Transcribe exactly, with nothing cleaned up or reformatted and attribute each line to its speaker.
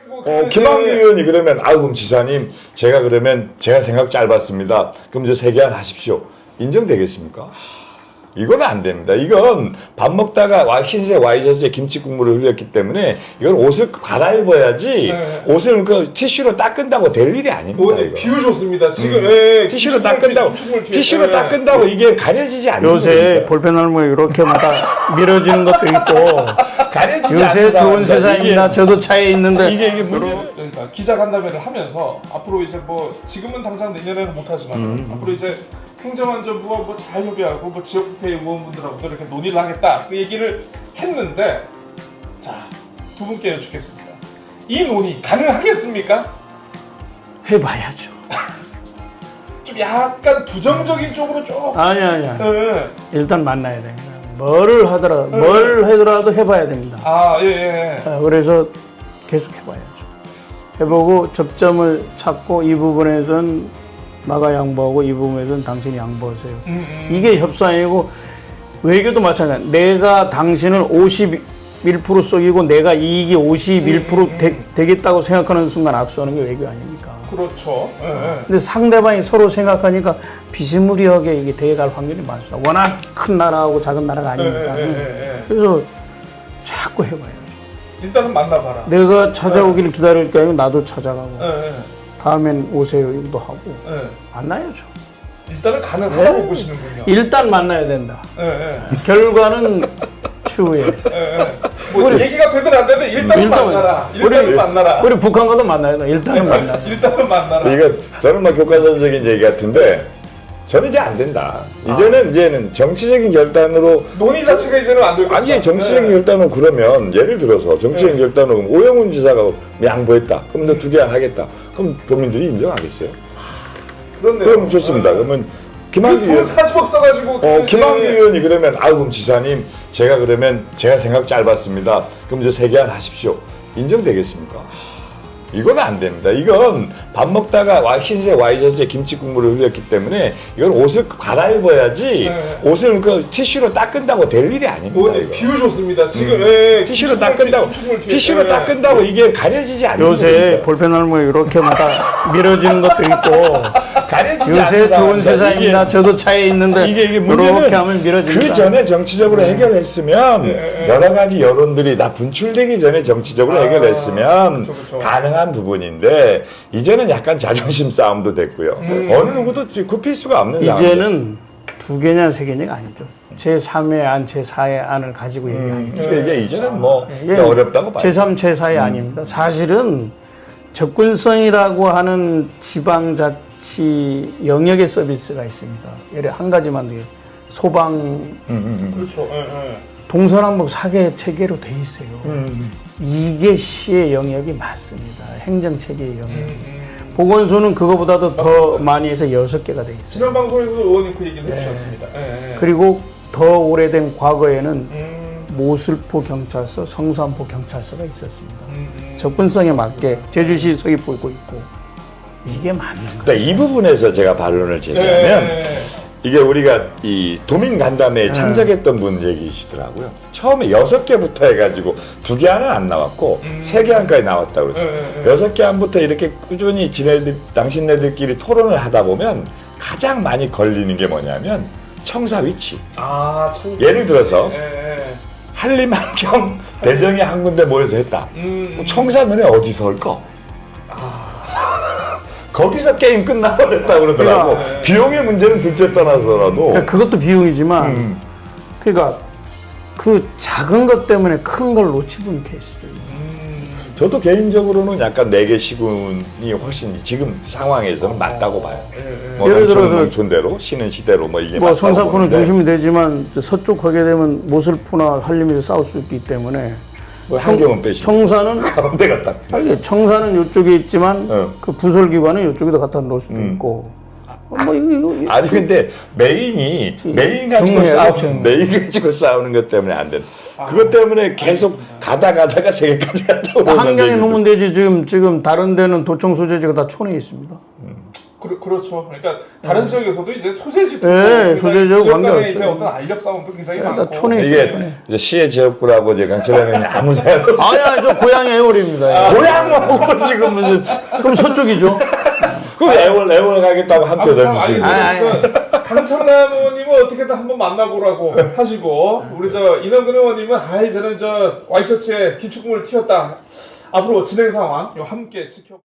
Speaker 1: 뭐
Speaker 2: 어, 김학규 의원이 그러면 아우 그럼 지사님 제가 그러면 제가 생각 짧았습니다. 그럼 이제 세개안 하십시오. 인정되겠습니까? 이건 안 됩니다. 이건 밥 먹다가 와, 흰색 와이셔츠에 김치 국물을 흘렸기 때문에 이건 옷을 갈아입어야지
Speaker 1: 네.
Speaker 2: 옷을 그 티슈로 닦은다고 될 일이 아닙니다.
Speaker 1: 네,
Speaker 2: 이거.
Speaker 1: 비유 좋습니다. 지금
Speaker 2: 음.
Speaker 1: 예,
Speaker 2: 티슈로 닦은다고 티슈로
Speaker 1: 예.
Speaker 2: 닦은다고 이게 가려지지 않는
Speaker 3: 요새
Speaker 2: 거니까.
Speaker 3: 볼펜 얼굴 이렇게마다 밀어지는 것도 있고
Speaker 2: 가려지지
Speaker 3: 요새
Speaker 2: 않는
Speaker 3: 좋은
Speaker 2: 상황입니다.
Speaker 3: 세상입니다.
Speaker 2: 이게-
Speaker 3: 저도 차에 있는데
Speaker 2: 이게 이게 문제는
Speaker 1: 그러니까 기자간담회를 하면서 앞으로 이제 뭐 지금은 당장 내년에는 못하지만
Speaker 2: 음.
Speaker 1: 앞으로 이제 행정안전부와 뭐 잘 협의하고 뭐 지역국회 의원분들하고도 이렇게 논의를 하겠다 그 얘기를 했는데 자 두 분께 여쭙겠습니다. 이 논의 가능하겠습니까?
Speaker 3: 해봐야죠.
Speaker 1: 좀 약간 부정적인 쪽으로 좀
Speaker 3: 아니 아니 아니.
Speaker 1: 예.
Speaker 3: 일단 만나야 됩니다. 뭐를 하더라도
Speaker 2: 네.
Speaker 3: 뭘 하더라도 해봐야 됩니다.
Speaker 1: 아, 예, 예.
Speaker 3: 아, 그래서 계속 해봐야죠. 해보고 접점을 찾고 이 부분에선 나가 양보하고 이 부분에선 당신이 양보하세요.
Speaker 1: 음, 음.
Speaker 3: 이게 협상이고 외교도 마찬가지야. 내가 당신을 오십일 퍼센트 속이고 내가 이익이 오십일 퍼센트
Speaker 1: 음,
Speaker 3: 되,
Speaker 1: 음.
Speaker 3: 되겠다고 생각하는 순간 악수하는 게 외교 아닙니까?
Speaker 1: 그렇죠. 예, 예.
Speaker 3: 근데 상대방이 서로 생각하니까 비스무리하게 이게 돼갈 확률이 많습니다. 워낙 큰 나라하고 작은 나라가 아닌
Speaker 1: 예,
Speaker 3: 이상은.
Speaker 1: 예, 예, 예.
Speaker 3: 그래서 자꾸 해봐요.
Speaker 1: 일단은 만나봐라.
Speaker 3: 내가 찾아오기를 기다릴 게 아니고 나도 찾아가고
Speaker 1: 예, 예.
Speaker 3: 다음엔 오세요 이것도 하고
Speaker 1: 예.
Speaker 3: 만나야죠.
Speaker 1: 일단은 가능하다고
Speaker 3: 네.
Speaker 1: 보시는군요.
Speaker 3: 일단 만나야 된다.
Speaker 1: 예, 예.
Speaker 3: 결과는 추후에.
Speaker 1: 예, 예. 뭐
Speaker 3: 우리-
Speaker 1: 얘기가 되든 안 되든 일단은
Speaker 3: 일단
Speaker 1: 만나라. 일단은
Speaker 3: 우리-
Speaker 1: 만나라.
Speaker 3: 우리 북한과도 만나야 돼. 일단은 만나야 돼.
Speaker 1: 일단은 만나라.
Speaker 2: 이거 저는 막 교과서적인 얘기 같은데 저는 이제 안 된다. 이제는 이제는 정치적인 결단으로
Speaker 1: 논의 자체가 이제는 안 될 것이다.
Speaker 2: 아니 정치적인
Speaker 1: 네.
Speaker 2: 결단은 그러면 예를 들어서 정치적인
Speaker 1: 네.
Speaker 2: 결단은 오영훈 지사가 양보했다. 그럼 너 두 개 안 하겠다. 그럼 도민들이 인정하겠어요?
Speaker 1: 그렇네요.
Speaker 2: 그럼 좋습니다. 그러면 김학규
Speaker 1: 돈
Speaker 2: 의원
Speaker 1: 사십억 써가지고
Speaker 2: 어,
Speaker 1: 그-
Speaker 2: 김학규
Speaker 1: 예.
Speaker 2: 의원이 그러면 아우 그럼 지사님 제가 그러면 제가 생각 짧았습니다. 그럼 이제 세 개 안 하십시오. 인정되겠습니까? 이건 안 됩니다. 이건 밥 먹다가 와, 흰색 와이셔츠에 김치 국물을 흘렸기 때문에 이건 옷을 갈아입어야지
Speaker 1: 네.
Speaker 2: 옷을 그 티슈로 닦은다고 될 일이 아닙니다.
Speaker 1: 뭐,
Speaker 2: 이거.
Speaker 1: 비유 좋습니다. 지금
Speaker 2: 음.
Speaker 1: 예,
Speaker 2: 티슈로
Speaker 1: 기축물
Speaker 2: 닦은다고
Speaker 1: 뒤에, 기축물 뒤에.
Speaker 2: 티슈로
Speaker 1: 예.
Speaker 2: 닦은다고 이게 가려지지 않는
Speaker 3: 요새
Speaker 2: 거니까.
Speaker 3: 볼펜 얼굴 이렇게마다 밀어지는 것도 있고
Speaker 2: 가려지지
Speaker 3: 요새
Speaker 2: 않는
Speaker 3: 좋은
Speaker 2: 상황입니다.
Speaker 3: 세상입니다.
Speaker 2: 이게-
Speaker 3: 저도 차에 있는데
Speaker 2: 이게 이게
Speaker 3: 이렇게
Speaker 2: 문제는
Speaker 3: 하면 밀어집니다.
Speaker 2: 그 전에 정치적으로 해결했으면
Speaker 1: 네.
Speaker 2: 여러 가지 여론들이 다 분출되기 전에 정치적으로
Speaker 1: 아,
Speaker 2: 해결했으면
Speaker 1: 그쵸, 그쵸.
Speaker 2: 가능한 부분인데 이제는 약간 자존심 싸움도 됐고요.
Speaker 1: 음.
Speaker 2: 어느 누구도 굽힐 수가 없는 상황.
Speaker 3: 이제는 두 개냐 세 개냐가 아니죠. 제삼의 안, 제사의 안을 가지고 얘기하는 거죠.
Speaker 2: 그러니까 이게 이제는 뭐
Speaker 3: 예,
Speaker 2: 어렵다고 봐요.
Speaker 3: 제삼, 제사의 아닙니다. 사실은 접근성이라고 하는 지방자치 영역의 서비스가 있습니다. 예를 한 가지만 더 소방,
Speaker 2: 음, 음,
Speaker 1: 그렇죠. 예, 예.
Speaker 3: 동서남북 사개 체계로 돼 있어요.
Speaker 2: 음.
Speaker 3: 이게 시의 영역이 맞습니다. 행정체계의 영역.
Speaker 1: 음, 음.
Speaker 3: 보건소는 그거보다도 더 많이 해서 여섯 개가 돼 있어요.
Speaker 1: 지난 방송에서도 의원님 그 얘기를 해주셨습니다. 예, 예.
Speaker 3: 그리고 더 오래된 과거에는
Speaker 1: 음,
Speaker 3: 모슬포 경찰서, 성산포 경찰서가 있었습니다.
Speaker 1: 음, 음.
Speaker 3: 접근성에 맞게 제주시 서귀포고 있고 이게 맞는 거예요.
Speaker 2: 그러니까 이 부분에서 제가 반론을 제기하면
Speaker 1: 예, 예.
Speaker 2: 이게 우리가 이 도민 간담회에 참석했던 분 얘기시더라고요. 처음에 여섯 개부터 해가지고 두 개 안은 안 나왔고
Speaker 1: 음.
Speaker 2: 세 개 안까지 나왔다고 그래요.
Speaker 1: 예, 예, 예.
Speaker 2: 여섯 개 안부터 이렇게 꾸준히 지네들 당신네들끼리 토론을 하다 보면 가장 많이 걸리는 게 뭐냐면 청사 위치.
Speaker 1: 아, 참.
Speaker 2: 예를 들어서
Speaker 1: 예, 예.
Speaker 2: 한림, 한경, 대정이 한 군데 모여서 했다.
Speaker 1: 음, 음.
Speaker 2: 청사 너네 어디서 할까? 거기서 게임 끝나버렸다 그러더라고.
Speaker 1: 그러니까, 네.
Speaker 2: 비용의 문제는 둘째 떠나서라도.
Speaker 3: 그러니까 그것도 비용이지만
Speaker 2: 음.
Speaker 3: 그러니까 그 작은 것 때문에 큰 걸 놓치는 케이스죠.
Speaker 1: 음.
Speaker 2: 저도 개인적으로는 약간 네 개 시군이 훨씬 지금 상황에서는 맞다고 봐요.
Speaker 1: 예, 예.
Speaker 2: 뭐
Speaker 3: 예를
Speaker 2: 농촌은
Speaker 3: 들어서
Speaker 2: 농촌대로 시는 시대로 뭐 이게
Speaker 3: 뭐
Speaker 2: 맞다고
Speaker 3: 성산포는
Speaker 2: 보는데
Speaker 3: 중심이 되지만 저 서쪽 하게 되면 모슬포나 한림에서 싸울 수 있기 때문에
Speaker 2: 뭐 한경은 빼시고
Speaker 3: 청사는
Speaker 2: 가운데가 딱.
Speaker 3: 아니, 청사는 이쪽에 있지만
Speaker 2: 어.
Speaker 3: 그 부설기관은 이쪽에다 갖다 놓을 수도
Speaker 2: 음.
Speaker 3: 있고 뭐 이거, 이거
Speaker 2: 아니 근데 메인이 메인 가지고
Speaker 3: 정리해요,
Speaker 2: 싸우는
Speaker 3: 정리.
Speaker 2: 메인 가지고 싸우는 것 때문에 안 돼. 그것 때문에 계속 가다 가다가 세 개까지 갔다 오는
Speaker 3: 한강에
Speaker 2: 얘기죠.
Speaker 3: 놓으면 되지 지금 지금 다른 데는 도청 소재지가 다 촌에 있습니다.
Speaker 1: 그, 그렇죠. 그러니까 다른 지역에서도 이제 소재지
Speaker 3: 네, 소재지하고
Speaker 1: 지역 간의
Speaker 3: 관계없어요.
Speaker 1: 이제 어떤 알력 싸움도 굉장히
Speaker 3: 일단
Speaker 1: 많고.
Speaker 3: 촌에
Speaker 2: 이게
Speaker 3: 있어요.
Speaker 2: 이제 시의 지역구라고 이제 강철 의원이 아무 생각 없이
Speaker 3: 아니, 아니, 저 고향이 애월입니다.
Speaker 2: 고향하고 지금 무슨
Speaker 3: 그럼 서쪽이죠.
Speaker 2: 그 애월 애월 가겠다고 함께 던지시고.
Speaker 3: 아니, 아니.
Speaker 1: 강창남 의원님은 어떻게든 한번 만나보라고 하시고 우리 저 이남근 의원님은 아이 저는 저 와이셔츠에 기축금을 튀었다. 앞으로 진행 상황 요 함께 지켜.